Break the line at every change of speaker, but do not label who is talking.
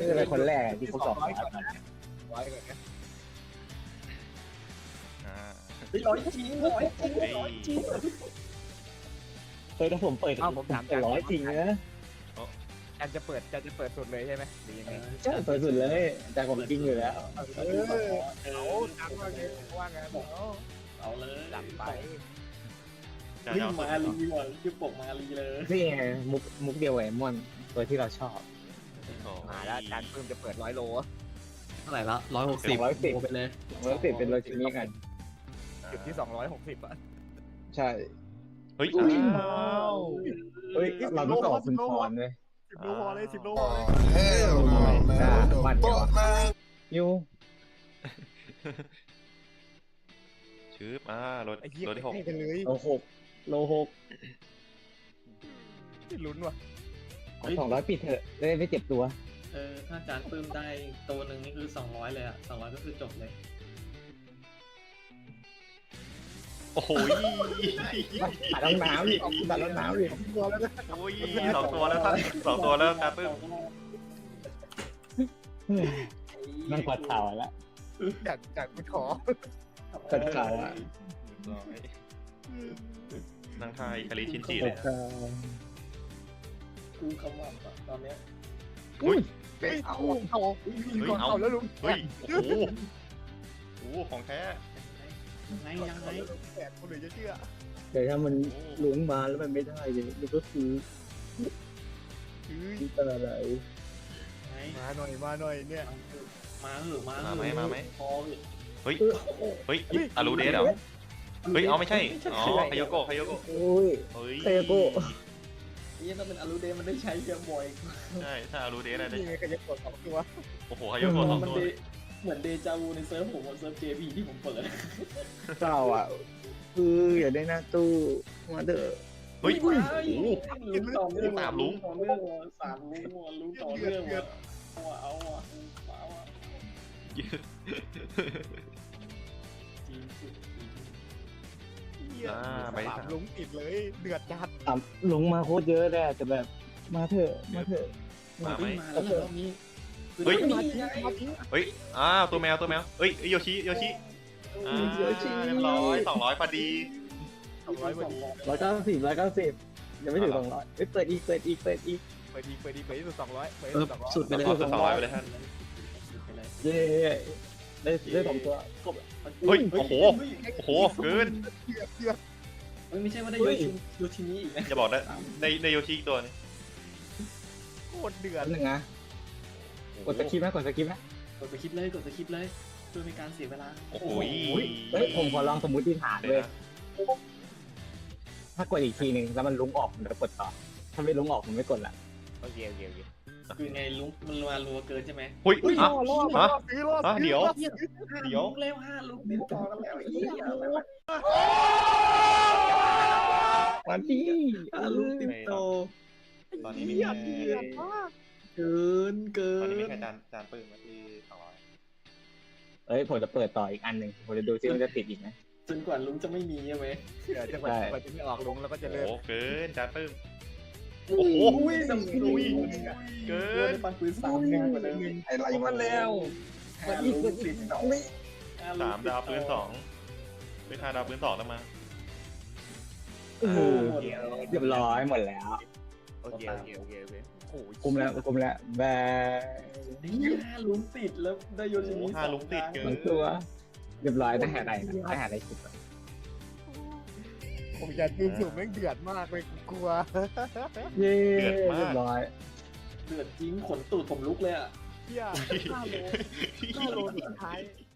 เป็นคนแรกที่เขาสอบ
ร้อยก่อนนะร้อยก่อนนะ
ร้อยจริงร้อยจริงร้อยจริง
เคยถ้าผมเปิดผมเป็นร้อยจริงนะ
จะเปิดสุดเลยใช่ไหมหรือยังไง
ใช่เปิดสุดเลยแต่ผมจริงอยู่แล้ว
เอาจังว่าไงว่าไงบอก
เอาเลย
จัดไป
มาลีว่ะคือปกมาลีเลย
นี่ไงมุกเดียวไอ้มอนตัวที่เราชอบ
มาแล้วการเพิ่มจะเปิด100 โล
เท่าไหร่ละ160ไปเลย
เราติดเป็นโรจินี่กัน
จุดที่260อ่ะ
ใช่
เฮ้ย
เฮ้ยเราต้องต่อคุณพรเลย
10 โลพอเลย10 โลพอเลย
Hell no, man. What the fuck, man?
ยู
ชืบรถ
ไอ้เหี้ย
รถที่
ให้กันเลย
โลหก
ลุ้นว่ะ
200ปิดเถอะได้ไม่เจ็บตัว
ถ้าจานปื้มได้ตัวหนึ่งนี่คือ200เลยอ่ะ200ก็คือจบเลย
โอ้โห
ตัดรองน้ำดิตัดรองน้ำดิ
ตัวแล้วนะ
โอ้ย2 ตัวแล้วท่าน2 ตัวแล้วการปึ้ม
นั่งกอดข่าวแล้ว
จากกูขอก
อดข่าวอ่ะ
นั่งทายคาริชินจิเลย
กูคำว่าตอนเนี้ย
อุ้ย
เอาแล้วลุง
เฮ้ยโอ้โหโอ้โหของแท้
ยังไง
แปดคนเลยจะเชื่อ
แต่ถ้ามันลุงมาแล้วมันไม่ได้เลยมันก็คืออะไร
มาหน่อยเนี่ย
มาเหอะ
มาไหม
พอเหอะ
เฮ้ยอารูเดสเหรอเฮ้ยเอาไม่ใช่อ๋อคายโกะ
โอ้ย
เฮ้ย
เซโก้
นี่ถ้าเป็นอารูเดมันได้ใช้เยอะบ่อย
ใช่ถ้าอารูเดสได้
นี่ไงก็จะกด2 ตัว
โอ้โหคายโกะ2 ตัว
เหมือนเดจาวูในเซิร์ฟผมเซิร์ฟ JP ที่ผมเปิด
เศร้าอ่ะคืออย่าได้หน้าตู้มาเด้อ
เฮ้ย
ลุงต่อเนื่อง3ลุงต่อเนื่องเอาอ่ะ
ไป
3 ลุงติดเลยเดือดจัด
ลงมาโคตรเยอะเลยแต่แบบมาเถอะ
มาไหม
มาแล้วรอบนี้
เฮ้ย
มาทิ้ง
เฮ้ยตัวแมวเฮ้ยโยชิเรียบร้อย200พอดี
200 วันนี้
190ยังไม่ถึง200เปิดอีก
เปิดดีสุด200เปิดสุด200
สุดไปเลย
200ไปเลยท่าน
เย้ได้2ตัวครบ
เฮ้ยโอ้โหเกิน
ไม่ใช่ว่าได้โยชินี้อีกนะ
อย่าบอกนะในโยชิอีกตัวนึง
โคตรเดือด
นึงนะกดสกิปนะ
กดไปคลิปเลยเพื่อไม่การเสียเวลา
โอ้โห
เฮ้ยผมขอลองสมมุติฐานเลยถ้ากดอีกทีนึงแล้วมันลุ้งออกผมจะกดต่อถ้าไม่ลุ้งออกผมไม่กดละ
โอเค
คือไงลุงมันรัวเกินใช่ไหม
เฮ้ย
รอด
เดี๋ยว
เร็ว5ลุงติดต่อกันแล้วไอ้เหี้ย
วันที่
ลุงติดต่อ
ตอนนี้มี
เดือดมาก
เกิน
ตอนนี้มีแค่จานปืนมาที่200
เอ้ยผมจะเปิดต่ออีกอันหนึ่งผมจะดูซิมันจะติดอีกไหม
จนกว่าลุงจะไม่มีใช่ไหม
เดือดจะไม่ออกลุงแล้วก็จะเลิก
โอ้เกินจานปืน
โอ้โห
เกิน
ปันปืน3กว่าเดิม
อะไรมาแล้ว
ลุงติดต่อ
3 ดาวปืน2ไม่5 ดาวปืน2แล้วมา
เรียบร้อยหมดแล้ว
โอเคโอ้ย
คุมแล้วแบ
5ลุงติดแล้วได้โยชินี้
5 ลุงติดเกิ
มัน นตัวเรียบร้อยได้หาอะไรคิด
ผมอยากดูสูงแม่งเดือดมากเลยกลัว
เย้เรียบร้อย
เดือดจริงขนตูดผมลุกเลยอ่ะ
เฮีย5 โลสุดท้าย